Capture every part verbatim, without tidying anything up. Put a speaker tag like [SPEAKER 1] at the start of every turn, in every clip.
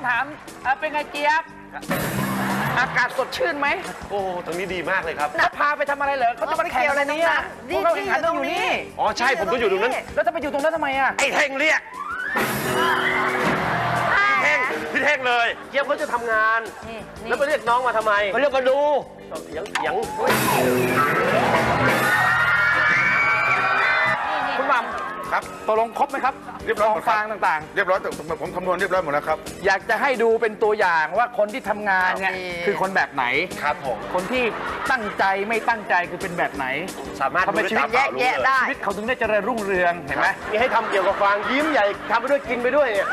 [SPEAKER 1] ถามเป็นไงเจี๊ยบอากาศสดชื่นไหม
[SPEAKER 2] โอ้ตรงนี้ดีมากเลยครับ
[SPEAKER 1] เขาพาไปทำอะไรเหรอเขาจะมาแข่งอะไรเนี่ยพวกเราแข่งขันต้องอยู่นี่
[SPEAKER 2] อ๋อใช่ผมต้องอยู่ตรงนั้น
[SPEAKER 1] แล้วจะไปอยู่ตรงนั้นทำไมอ่ะ
[SPEAKER 2] ไอ้เท่งเรียกพี่เท่งพี่เท่งเลยเจี๊ยบเขาจะทำงานแล้วไปเรียกน้องมาทำไมเขาเรียกมาดูเสียงเสียง
[SPEAKER 1] คุณหม่ำครับตกลงครบไหมครับ
[SPEAKER 3] เรียบร้อยหมด
[SPEAKER 1] ฟางต่าง
[SPEAKER 3] ๆเรียบร้อยผมคำนวณเรียบร้อยหมดแล้วครับ
[SPEAKER 1] อยากจะให้ดูเป็นตัวอย่างว่าคนที่ทำงานเนี่ยคือคนแบบไหน
[SPEAKER 2] ครับผม
[SPEAKER 1] คนที่ตั้งใจไม่ตั้งใจคือเป็นแบบไหน
[SPEAKER 2] สามารถดูได้
[SPEAKER 1] ชีวิตแยกแยะได้ชีวิตเขาถึงได้เจริญรุ่งเรืองเห็นไหม
[SPEAKER 2] มีให้ทำเกี่ยวกับฟางยิ้มใหญ่ทำไปด้วยกินไปด้วยเนี่ย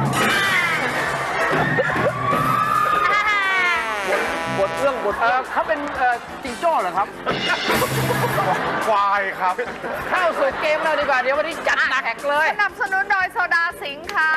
[SPEAKER 2] บทเรื่องบท
[SPEAKER 1] เขาเป็นจิงโจ้เหรอครับ
[SPEAKER 3] ควายครับ
[SPEAKER 1] เข้าสู่เกมเราดีกว่าเดี๋ยววันนี้จัดหนักเลย
[SPEAKER 4] สนับสนุนโดยโซดาสิงค์ค่ะ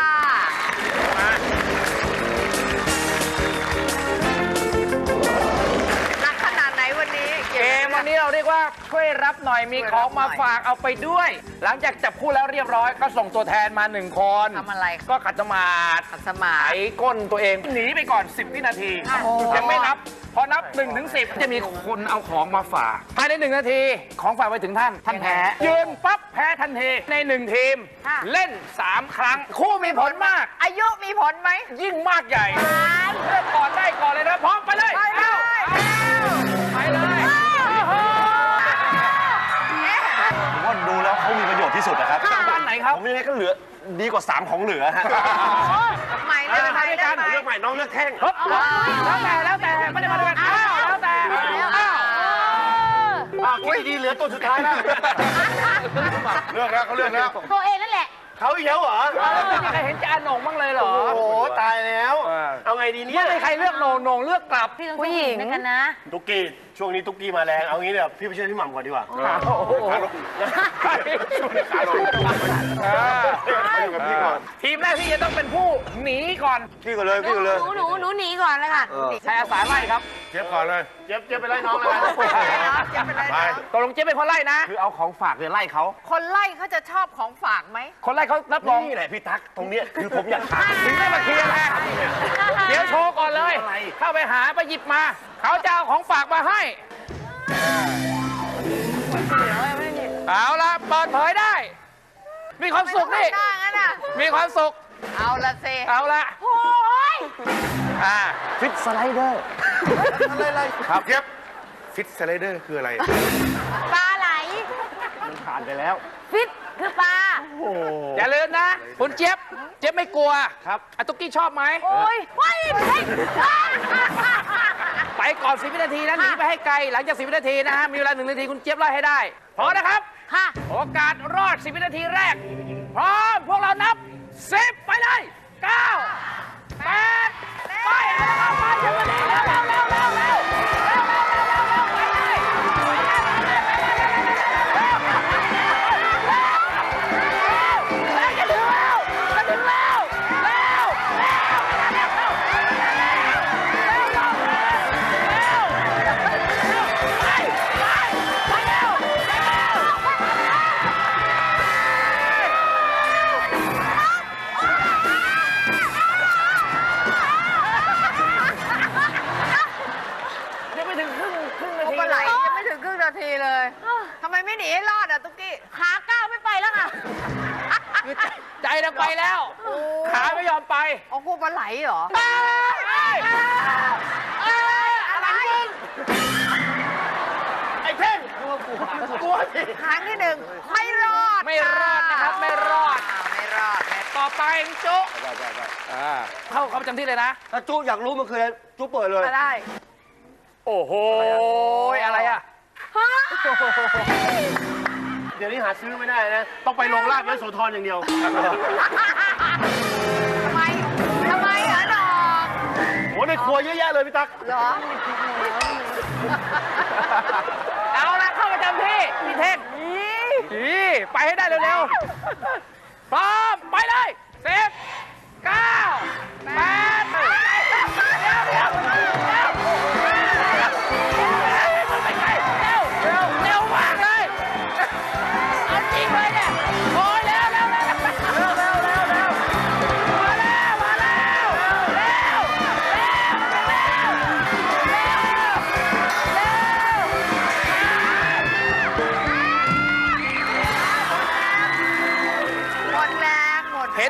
[SPEAKER 4] หนักขนาดไหนวันนี้
[SPEAKER 1] เกมวันนี้เราเรียกว่าช่วยรับหน่อยมีของมาฝากเอาไปด้วยหลังจากจับคู่แล้วเรียบร้อยก็ส่งตัวแทนมาหนึ่งคน
[SPEAKER 4] ทำอะไร
[SPEAKER 1] ก็ขัดสมาธิ
[SPEAKER 4] ขัดสมาธิ
[SPEAKER 1] ไถก้นตัวเองหนีไปก่อนสิบวินาทียังไม่นับพอนับหนึ่งถึงสิบจะมีคนเอาของมาฝากภายในหนึ่งนาทีของฝากไปถึงท่านท่านแพ้ยืนปั๊บแพ้ทันทีในหนึ่งทีมเล่นสามครั้งคู่มีผลมาก
[SPEAKER 4] อายุมีผลไหม
[SPEAKER 1] ยิ่งมากใหญ่เลือกก่อนได้ก่อนเลยนะพร้อมไปเลย
[SPEAKER 4] ไปเลย
[SPEAKER 1] ไปเลย
[SPEAKER 2] ว่าดูแล้วเขามีประโยชน์ที่สุดนะครับ
[SPEAKER 1] บ้านไหนครับ
[SPEAKER 2] ผมยังไงก็เหลือดีกว่าสามของเหลือฮะ
[SPEAKER 4] ใหม่เลยใหม่เลย
[SPEAKER 2] เลือกใหม่น้องเลือกแท่ง
[SPEAKER 1] แล้วแต่แล้วแต่ไม่ได้มาด้วยกันอ้าวแล้วแต่อ้าว
[SPEAKER 2] อ้าวคิดดีเหลือตัวสุดท้ายแล้ว
[SPEAKER 3] เลือกแล้วเขาเลือกแล้ว
[SPEAKER 4] ตัวเองนั่นแหละ
[SPEAKER 2] เขาอีกแล้วเหรอ
[SPEAKER 1] ไม่มีใครเห็นจะอาหนงบ้างเลยเหรอ
[SPEAKER 2] โอ้โหตายแล้วเอาไงดีเนี่ย
[SPEAKER 1] ไม่มีใครเลือกโหนงโหนงเลือกกลับ
[SPEAKER 4] ผู้หญิงกันนะ
[SPEAKER 2] ตุ๊กกี้ช่วงนี้ตุ๊กกี้มาแรงเอางี้เดี๋ยวพี่ไปช่วยพี่หม่ำก่อนดีกว่า
[SPEAKER 1] โอ้โห
[SPEAKER 3] ขาลงมาอยู่กับพี่ก่อน
[SPEAKER 1] ทีมแรกที่จะต้องเป็นผู้หนีก่อน
[SPEAKER 2] พี่ก่อนเลยพี่ก่อนเลย
[SPEAKER 4] หนูหนูหนูหนีก่อนเลยค่ะ
[SPEAKER 1] ใช้อาสาไล่ครับ
[SPEAKER 3] เจี๊ยบก่อนเลย
[SPEAKER 2] เจี๊ยบเจี๊ยบไปไล่น้องเลย
[SPEAKER 4] เจี๊ยบไปไล่น้อง
[SPEAKER 1] ตกลงเจี๊ยบเป็นคนไล่นะคือเอาของฝากเลยไล่เขา
[SPEAKER 4] คนไล่เขาจะชอบของฝากไหม
[SPEAKER 1] คนไล่เขารับรอง
[SPEAKER 2] นี่แหละพี่ตั๊กตรงเนี้ยคือผมอยากถาม
[SPEAKER 1] ถึงได้มาเคลียร์แหละเดี๋ยวโชว์ก่อนเลยเข้าไปหาไปหยิบมาเขาจะเอาของฝากมาให้เอาละเปิดเผยได้มีความสุขนี่มีความสุข
[SPEAKER 4] เอาละสิ
[SPEAKER 1] เอาละ
[SPEAKER 4] โอ้ย
[SPEAKER 1] อ่าฟิตสไลเดอร์
[SPEAKER 3] อะไรครับเจี๊ยบฟิตสไลเดอร์คืออะไร
[SPEAKER 4] ปลาไหล
[SPEAKER 1] มันผ่านไปแล้ว
[SPEAKER 4] ฟิตคือปลา
[SPEAKER 1] อย่าลืมนะคุณเจี๊ยบเจี๊ยบไม่กลัวครับอาตุ๊กกี้ชอบไหม
[SPEAKER 4] โอ้ยไป
[SPEAKER 1] ไปก่อนสิบวินาทีนะหนีไปให้ไกลหลังจากสิบวินาทีนะฮะมีเวลาหนึ่งนาทีคุณเจี๊ยบไล่ให้ได้พร้อมนะครับ
[SPEAKER 4] ค่ะ
[SPEAKER 1] โอกาสรอดสิบวินาทีแรกพร้อมพวกเรานับสิบไปเลยเก้าแปดไปแล้วไปสิบนาทีเร็วเร็วเร็วเร็วเร็วไปเลยจะถึงแล้วจะถึงแล้วเร็วเร็วเร็วเร็วไปไปไปเร็วเร็วยังไม่ถึงครึ่งครึ่งนาที
[SPEAKER 4] ปลาไหลยังไม่ถึงครึ่งนาทีเลยทำไมไม่หนีให้รอดอ่ะตุ๊กกี้ขาก้าวไม่ไปแล้วค่ะ
[SPEAKER 1] ใจจะไปแล้วขาไม่ยอมไป
[SPEAKER 4] อ๋อกูปลาไหลเหรอ
[SPEAKER 1] อะไรไอ้เท่งกลัวกลัวกลัว
[SPEAKER 4] ครั้งที่หนึ่งไม่รอด
[SPEAKER 1] ไม่รอดนะครับไม่รอด
[SPEAKER 4] ไม่รอด
[SPEAKER 1] ต่อไปจุ๊เข้าเข้าประจำที่เลยนะ
[SPEAKER 2] ถ้าจุ๊อยากรู้มันคืออะไรจุ๊เปิดเลย
[SPEAKER 4] ได้
[SPEAKER 1] โอ้โหอะไรอ่ะ
[SPEAKER 2] เดี๋ยวนี้หาซื้อไม่ได้นะต้องไปโรงลาบยโสธรอย่างเดียว
[SPEAKER 4] ทำไมทำไมเหรอดอก
[SPEAKER 2] โอ้ในครัวเยอะแยะเลยพี่ตั๊ก
[SPEAKER 4] เหรอ
[SPEAKER 1] เอาละเข้าประจำที่พี่เท่งนี่ไปให้ได้เร็วๆพร้อมไปเลยสิบเก้าแปดเร็วเร็วเร็วเร็วเร็วเร็วมากเลยเอาจริงเลยเนี่ยโอ้ยเร็วเร็วเร็วเร็วเร็วเร็วเร็วมาแล้วมาแล้วเร็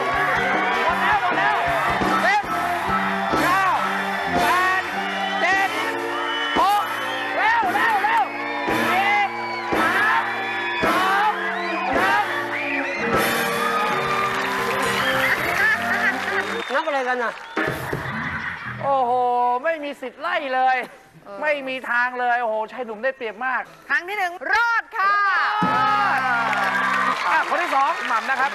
[SPEAKER 1] หมดแล้วหมดแล้วสิบเก้าแปดเจ็ดหกเร็วเร็วเร็วสี่สามสองหนึ่ง
[SPEAKER 2] นับอะไรกันน่ะ
[SPEAKER 1] โอ้โห ไม่มีสิทธิ์ไล่เลย ไม่มีทางเลย โอ้โหชายหนุ่มได้เปรียบมาก
[SPEAKER 4] ครั้งที่หนึ่งรอดค่ะ
[SPEAKER 1] อ่ะคนที่สองหม่ำนะครับ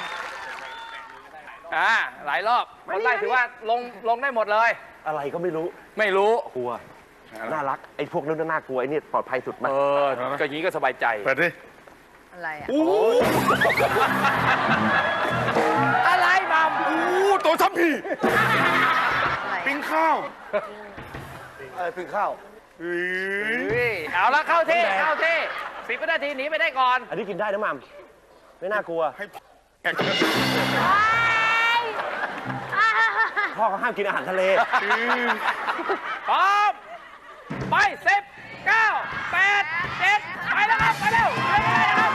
[SPEAKER 1] อ่าหลายรอบคนไล่ถือว่าลงลงได้หมดเลย
[SPEAKER 2] อะไรก็ไม่รู้
[SPEAKER 1] ไม่รู้
[SPEAKER 2] กลัว น่ารัก ไอ้พวกนั้นน่ากลัว ไอ้นี่ปลอดภัยสุดมา
[SPEAKER 1] เออก็อย่างนี้ก็สบายใจ
[SPEAKER 3] เปิดดิ
[SPEAKER 4] อะไรอ่ะ
[SPEAKER 1] อะไรหม่ำ
[SPEAKER 3] โอ้ตัวทัพพี
[SPEAKER 4] อะไร
[SPEAKER 3] ปิ้งข้าว
[SPEAKER 2] อะไรพึ่งข้าว
[SPEAKER 3] เฮ้ย
[SPEAKER 1] เฮ้ยเอาละเข้าที่เข้าที่สิบวินาทีหนีไปได้ก่อน
[SPEAKER 2] อันนี้กินได้นะมัมไม่น่ากลัว พ่อเขาห้ามกินอาหารทะเล
[SPEAKER 1] พร้อมไปสิบเก้าแปดเจ็ดไปแล้วครับไปเร็วไปเลยนะครับ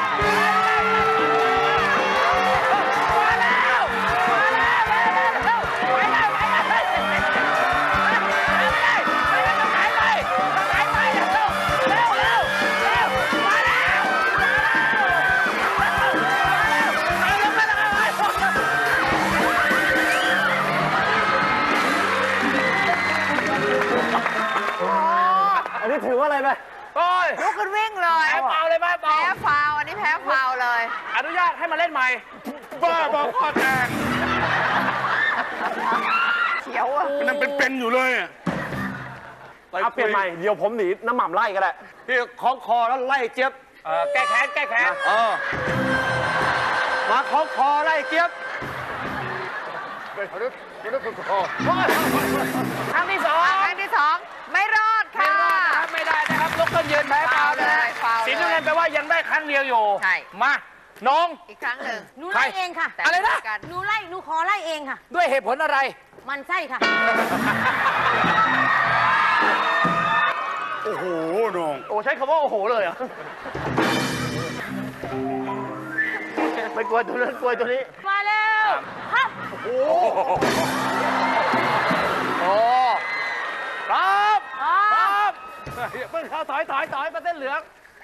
[SPEAKER 1] มาแล้วมาแล้วเร็วเร็วเร็วไปแล้วไปแล้วไปเลยไปเลยต้องหายไปต้องหายไปเร็วเร็วเร็วเร็วมาแล้วมาแล้วมาแล้วมาแล้ว
[SPEAKER 2] อันนี้ถือว่าอะไรไหม
[SPEAKER 1] โอ้ย
[SPEAKER 4] ลุกขึ้นวิ่งเลย
[SPEAKER 1] แพ้เปล่าเลยไหมเปล่า
[SPEAKER 4] แพ้ฟาวล์อันนี้แพ้ฟาวล์เลย
[SPEAKER 1] อนุญาตให้มาเล่นใหม่
[SPEAKER 3] บ้าบอกข้อแตก
[SPEAKER 4] เขียวอ่ะ
[SPEAKER 3] มันยังเป็นๆอยู่เลยอะ
[SPEAKER 2] เอาเปลี่ยนใหม่ เดี๋ยวผมหนีน้ำหม่ำไล่ก็ได้พี่คล้องคอแล้วไล่เจี๊ยบ
[SPEAKER 1] เออแก้แค้นแก้แค้น
[SPEAKER 2] เออ มาคล้องคอไล่เจี๊ยบ
[SPEAKER 1] ครั้งที่สอง
[SPEAKER 4] ครั้งที่สองไม่รอด
[SPEAKER 1] ไม่
[SPEAKER 4] ค่ะ
[SPEAKER 1] รอดนะครับไม่ได้นะครับลุกขึ้นยืนแพ้เปล่านะฮะ
[SPEAKER 4] ฟาวล์เลย
[SPEAKER 1] สีน้ำเงินแปลว่ายังได้ครั้งเดียวอยู่
[SPEAKER 4] ใช่
[SPEAKER 1] มาน้อง
[SPEAKER 4] อีกครั้งหนึ่ง
[SPEAKER 5] หนูไล่เองค่ะ
[SPEAKER 4] แต่
[SPEAKER 1] อะไรนะ
[SPEAKER 4] กัน
[SPEAKER 5] หนูไล่ หนูขอไล่เองค่ะ
[SPEAKER 1] ด้วยเหตุผลอะไร
[SPEAKER 5] มันไส้ค่ะ
[SPEAKER 3] โอ้โหน้อง
[SPEAKER 2] โอ้ใช้คำว่าโอ้โหเลยเหรอ่ะ ไม่กลัวตัวนั้นกลัวตัวนี้
[SPEAKER 5] มาแล้วฮับ
[SPEAKER 1] โอ้พร้อม
[SPEAKER 5] อ๋อ
[SPEAKER 1] พร้อมเพิ่งเข้าถอยถอยถอยมาเส้นเหลือง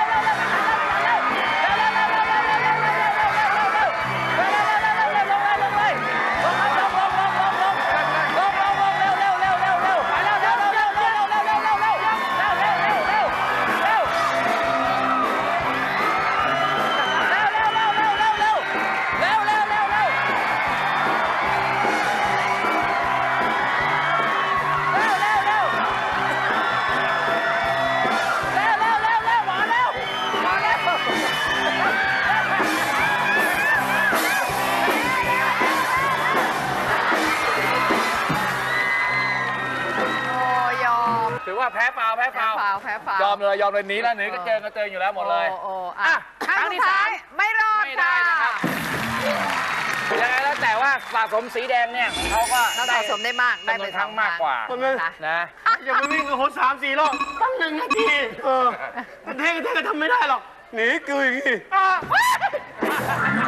[SPEAKER 1] เร็วแพ้ฟาวแพ้
[SPEAKER 4] แพ้
[SPEAKER 1] ฟาว
[SPEAKER 4] ฟาวแพ้ฟาวย
[SPEAKER 1] อมเลยยอมเลยหนีแล้วหนีก็เจอก็เจออยู่แล้วหมดเลย
[SPEAKER 4] โอ้โอ้
[SPEAKER 1] อ่ะ
[SPEAKER 4] อ่ะ
[SPEAKER 1] ครั้งที่สาม
[SPEAKER 4] ไม่รอด
[SPEAKER 1] ไม่ได้นะครับยังไงแล้วแต่ว่าสะสมสีแดงเนี่ยเขาก็
[SPEAKER 4] เราสะสมได้มากได้
[SPEAKER 1] จำน
[SPEAKER 4] ไป
[SPEAKER 1] วนครั้งมากกว่า
[SPEAKER 2] คนนึง
[SPEAKER 4] นะ
[SPEAKER 1] นะ
[SPEAKER 2] อย่าไปวิ่งกับคนสามสี่รอบตั้งหนึ่งนาทีเออเท่งเท่งก็ทำไม่ได้หรอกหนีกูอย่างงี้